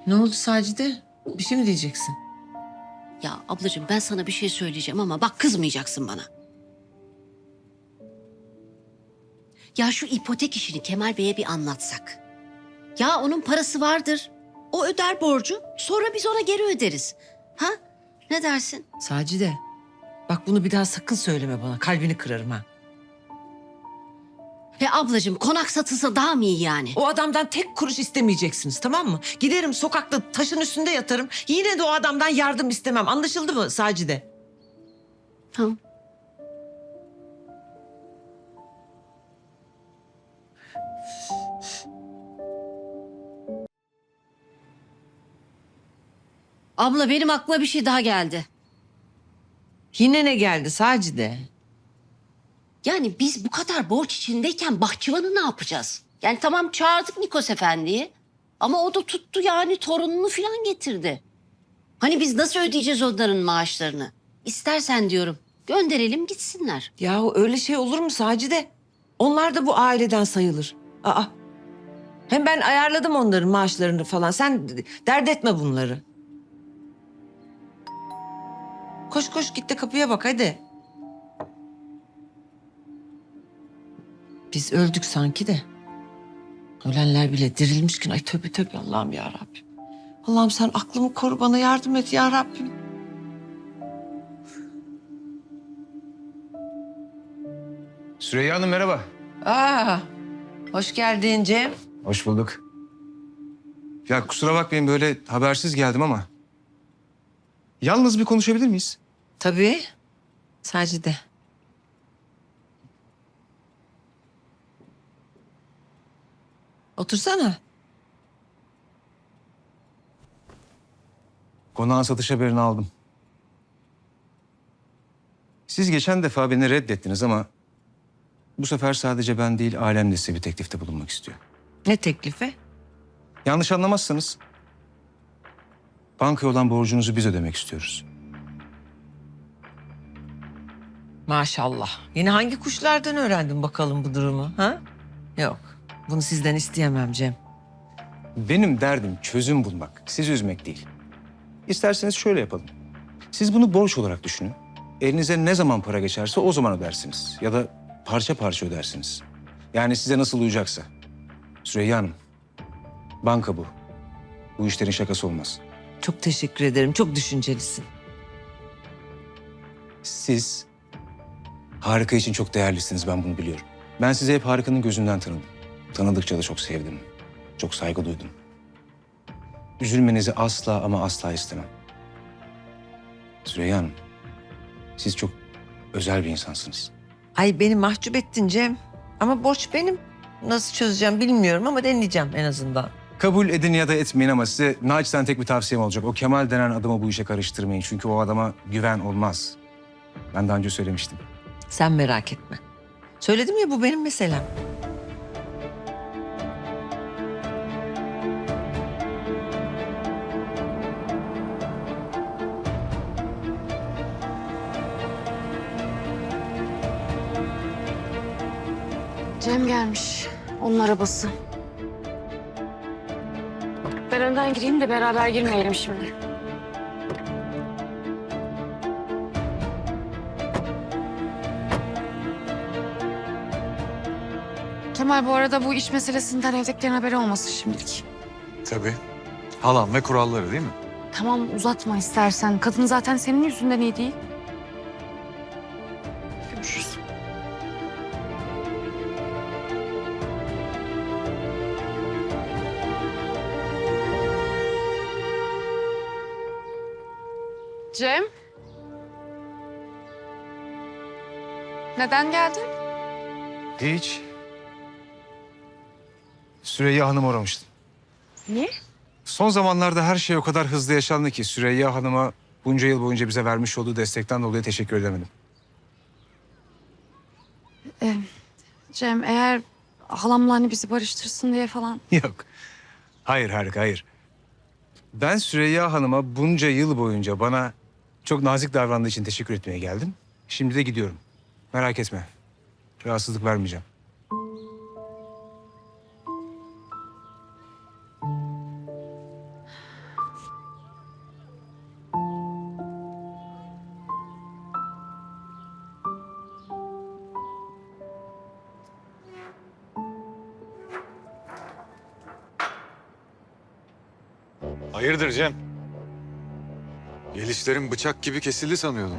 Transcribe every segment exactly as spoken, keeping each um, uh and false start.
Ne oldu Sacide? Bir şey mi diyeceksin? Ya ablacığım ben sana bir şey söyleyeceğim ama bak kızmayacaksın bana. Ya şu ipotek işini Kemal Bey'e bir anlatsak. Ya onun parası vardır. O öder borcu. Sonra biz ona geri öderiz. Ha? Ne dersin? Sacide, bak bunu bir daha sakın söyleme bana. Kalbini kırarım ha. Ve ablacığım konak satılsa daha mı iyi yani? O adamdan tek kuruş istemeyeceksiniz, tamam mı? Giderim sokakta taşın üstünde yatarım. Yine de o adamdan yardım istemem. Anlaşıldı mı Sacide? Tamam. Abla benim aklıma bir şey daha geldi. Yine ne geldi Sacide? Yani biz bu kadar borç içindeyken bahçıvanı ne yapacağız? Yani tamam çağırdık Nikos Efendi'yi. Ama o da tuttu yani torununu falan getirdi. Hani biz nasıl ödeyeceğiz onların maaşlarını? İstersen diyorum gönderelim gitsinler. Yahu öyle şey olur mu Sacide? Onlar da bu aileden sayılır. Aa. Hem ben ayarladım onların maaşlarını falan. Sen dert etme bunları. Koş koş git de kapıya bak hadi. Biz öldük sanki de. Ölenler bile dirilmişken ay tövbe tövbe Allah'ım ya Rabbim. Allah'ım sen aklımı koru bana yardım et ya Rabbim. Süreyya Hanım merhaba. Aa, hoş geldin Cem. Hoş bulduk. Ya kusura bakmayın böyle habersiz geldim ama. Yalnız bir konuşabilir miyiz? Tabii. Sacide. Otursana. Konağın satış haberini aldım. Siz geçen defa beni reddettiniz ama... ...bu sefer sadece ben değil ailem de size bir teklifte bulunmak istiyor. Ne teklifi? Yanlış anlamazsanız... ...bankaya olan borcunuzu biz ödemek istiyoruz. Maşallah. Yine hangi kuşlardan öğrendin bakalım bu durumu ha? Yok. Bunu sizden isteyemem Cem. Benim derdim çözüm bulmak, sizi üzmek değil. İsterseniz şöyle yapalım. Siz bunu borç olarak düşünün. Elinize ne zaman para geçerse o zaman ödersiniz. Ya da parça parça ödersiniz. Yani size nasıl uyacaksa. Süreyya Hanım, banka bu. Bu işlerin şakası olmaz. Çok teşekkür ederim. Çok düşüncelisin. Siz Harika için çok değerlisiniz, ben bunu biliyorum. Ben sizi hep Harika'nın gözünden tanıdım. Tanıdıkça da çok sevdim. Çok saygı duydum. Üzülmenizi asla ama asla istemem. Süreyya Hanım, siz çok özel bir insansınız. Ay beni mahcup ettin Cem. Ama borç benim. Nasıl çözeceğim bilmiyorum ama deneyeceğim en azından. Kabul edin ya da etmeyin ama size naçizane tek bir tavsiyem olacak. O Kemal denen adamı bu işe karıştırmayın. Çünkü o adama güven olmaz. Ben daha önce söylemiştim. Sen merak etme. Söyledim ya bu benim meselem. Cem gelmiş. Onun arabası. Ben önden gireyim de beraber girmeyelim şimdi. Kemal bu arada bu iş meselesinden evdekilerin haberi olmasın şimdilik. Tabii. Halam ve kuralları değil mi? Tamam uzatma istersen. Kadın zaten senin yüzünden iyi değil. Görüşürüz. Cem? Neden geldin? Hiç. Süreyya Hanım aramıştı. Niye? Son zamanlarda her şey o kadar hızlı yaşandı ki Süreyya Hanım'a bunca yıl boyunca bize vermiş olduğu destekten dolayı teşekkür edemedim. Ee, Cem eğer halamla hani bizi barıştırsın diye falan. Yok. Hayır Harika, hayır. Ben Süreyya Hanım'a bunca yıl boyunca bana çok nazik davrandığı için teşekkür etmeye geldim. Şimdi de gidiyorum. Merak etme. Rahatsızlık vermeyeceğim. Hayırdır Cem? Gelişlerin bıçak gibi kesildi sanıyordum.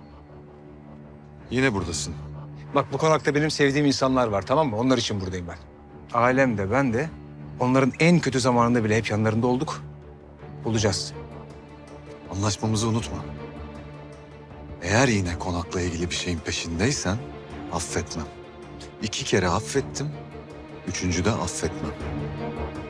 Yine buradasın. Bak bu konakta benim sevdiğim insanlar var, tamam mı? Onlar için buradayım ben. Ailem de ben de onların en kötü zamanında bile hep yanlarında olduk. Bulacağız. Anlaşmamızı unutma. Eğer yine konakla ilgili bir şeyin peşindeysen affetmem. İki kere affettim, üçüncü de affetmem.